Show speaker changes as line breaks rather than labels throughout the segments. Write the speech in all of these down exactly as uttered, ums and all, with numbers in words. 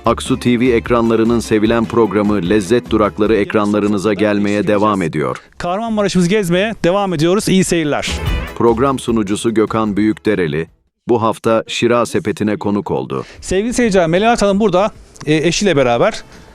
Aksu T V ekranlarının sevilen programı Lezzet Durakları ekranlarınıza gelmeye devam ediyor.
Kahramanmaraş'ımızı gezmeye devam ediyoruz. İyi seyirler.
Program sunucusu Gökhan Büyükdereli bu hafta Şira Sepeti'ne konuk oldu.
Sevgili seyirciler, Melahat Hanım burada e, eşiyle beraber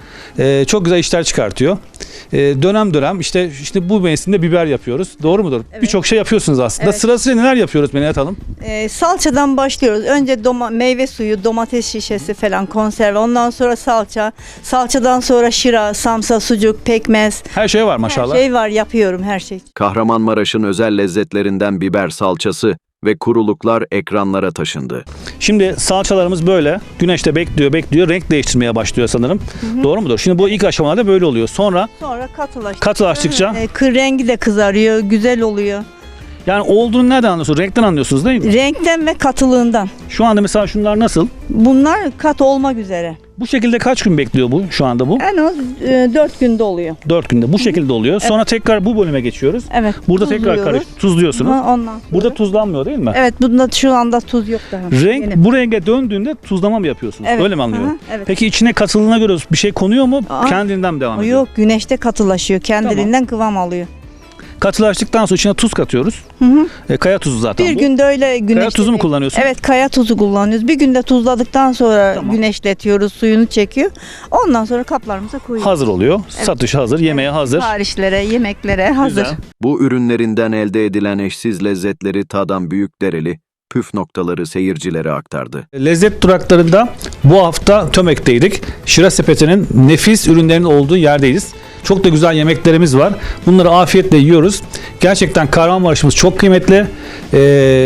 e, çok güzel işler çıkartıyor. E, dönem dönem işte işte bu mevsimde biber yapıyoruz. Doğru mudur?
Evet.
Birçok şey yapıyorsunuz aslında.
Evet.
Sırasıyla neler yapıyoruz Melahat Hanım?
Ee, salçadan başlıyoruz. Önce doma- meyve suyu, domates şişesi falan, konserve. Ondan sonra salça. Salçadan sonra şıra, samsa, sucuk, pekmez.
Her şey var maşallah.
Her şey var, yapıyorum her şey.
Kahramanmaraş'ın özel lezzetlerinden biber salçası ve kuruluklar ekranlara taşındı.
Şimdi salçalarımız böyle güneşte bekliyor bekliyor renk değiştirmeye başlıyor sanırım. Doğru mudur? Şimdi bu ilk aşamalarda böyle oluyor. Sonra
Sonra katılaştıkça,
Katılaştıkça?
e, kır rengi de kızarıyor, güzel oluyor.
yani olduğunu nereden anlıyorsunuz? Renkten anlıyorsunuz değil mi?
Renkten ve katılığından.
Şu anda mesela şunlar nasıl?
Bunlar kat olmak üzere.
Bu şekilde kaç gün bekliyor bu şu anda bu?
En az e, dört günde oluyor.
dört günde bu şekilde oluyor. Sonra tekrar bu bölüme geçiyoruz.
Evet.
Burada tekrar
tuzluyoruz.
karış tuzluyorsunuz.
Ha, ondan sonra.
Burada tuzlanmıyor değil mi?
Evet, bunda şu anda tuz yok daha.
Renk
Yeni.
bu renge döndüğünde tuzlama mı yapıyorsunuz?
Evet.
Öyle mi anlıyorum?
Hı hı, evet.
Peki içine katılığına göre bir şey konuyor mu?
Aa,
Kendinden mi devam
O
ediyor?
yok, güneşte katılaşıyor. Kendiliğinden kıvam alıyor.
Katılaştıktan sonra içine tuz katıyoruz.
Hı hı.
E, kaya tuzu zaten
Bir
bu.
günde öyle güneşte.
Kaya tuzu mu kullanıyorsun?
Evet, kaya tuzu kullanıyoruz. Bir günde tuzladıktan sonra
Tamam.
güneşletiyoruz, suyunu çekiyor. Ondan sonra kaplarımıza koyuyoruz.
Hazır oluyor.
Evet.
Satış hazır, yemeğe hazır.
Siparişlere, yemeklere hazır.
Güzel.
Bu ürünlerinden elde edilen eşsiz lezzetleri tadan Büyükdereli püf noktaları seyircilere aktardı.
Lezzet duraklarında bu hafta Tömek'teydik. Şira Sepeti'nin nefis ürünlerinin olduğu yerdeyiz. Çok da güzel yemeklerimiz var. Bunları afiyetle yiyoruz. Gerçekten Kahramanmaraş'ımız çok kıymetli. Ee,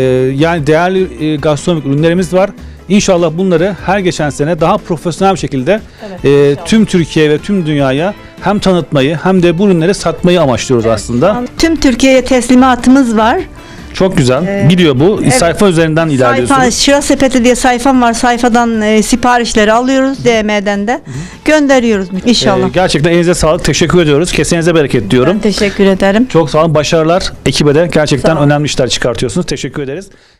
yani değerli e, gastronomik ürünlerimiz var. İnşallah bunları her geçen sene daha profesyonel bir şekilde
Evet,
e,
inşallah.
tüm Türkiye ve tüm dünyaya hem tanıtmayı hem de bu ürünleri satmayı amaçlıyoruz aslında.
Tüm Türkiye'ye teslimatımız var.
Çok güzel.
Ee,
Gidiyor bu.
evet.
Sayfa üzerinden ilerliyorsunuz.
Sayfa, Şira Sepeti diye sayfam var. Sayfadan e, siparişleri alıyoruz. D M'den de gönderiyoruz inşallah.
Ee, gerçekten elinize sağlık. Teşekkür ediyoruz. Kesenize bereket diyorum.
Ben teşekkür ederim.
Çok sağ olun. Başarılar ekibe de. Gerçekten
Sağ olun.
önemli işler çıkartıyorsunuz. Teşekkür ederiz.